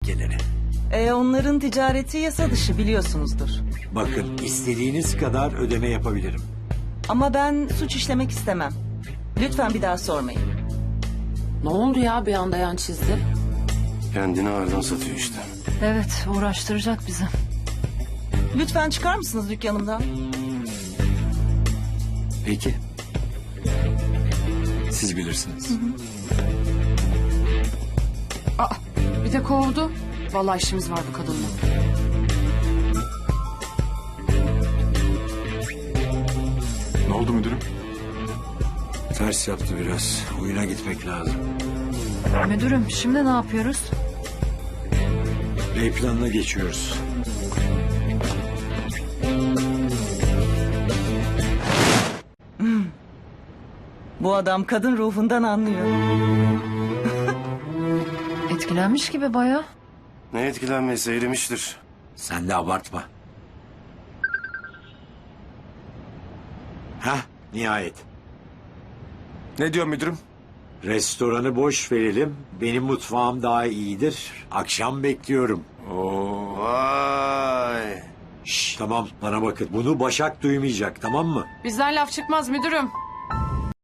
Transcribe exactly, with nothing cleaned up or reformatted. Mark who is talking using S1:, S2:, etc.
S1: tehlikeleri.
S2: E, onların ticareti yasa dışı biliyorsunuzdur.
S1: Bakın istediğiniz kadar ödeme yapabilirim.
S2: Ama ben suç işlemek istemem. Lütfen bir daha sormayın.
S3: Ne oldu ya bir anda yan çizdi?
S4: Kendini ağırdan satıyor işte.
S5: Evet, uğraştıracak bizi.
S2: Lütfen çıkar mısınız dükkanımdan?
S1: Peki. Siz bilirsiniz.
S3: Aa, bir de kovdu. Vallahi işimiz var bu kadınla.
S6: Ne oldu müdürüm?
S1: Ters yaptı biraz. Oyuna gitmek lazım.
S5: Müdürüm, şimdi ne yapıyoruz?
S1: B planına geçiyoruz.
S2: Bu adam kadın ruhundan anlıyor.
S5: Etkilenmiş gibi bayağı.
S4: Ne etkilenmesi erimiştir.
S1: Sen de abartma. Hah, nihayet.
S6: Ne diyor müdürüm?
S1: Restoranı boş verelim. Benim mutfağım daha iyidir. Akşam bekliyorum.
S6: Oo.
S4: Vay.
S1: Şş, tamam bana bakın. Bunu Başak duymayacak, tamam mı?
S3: Bizden laf çıkmaz müdürüm.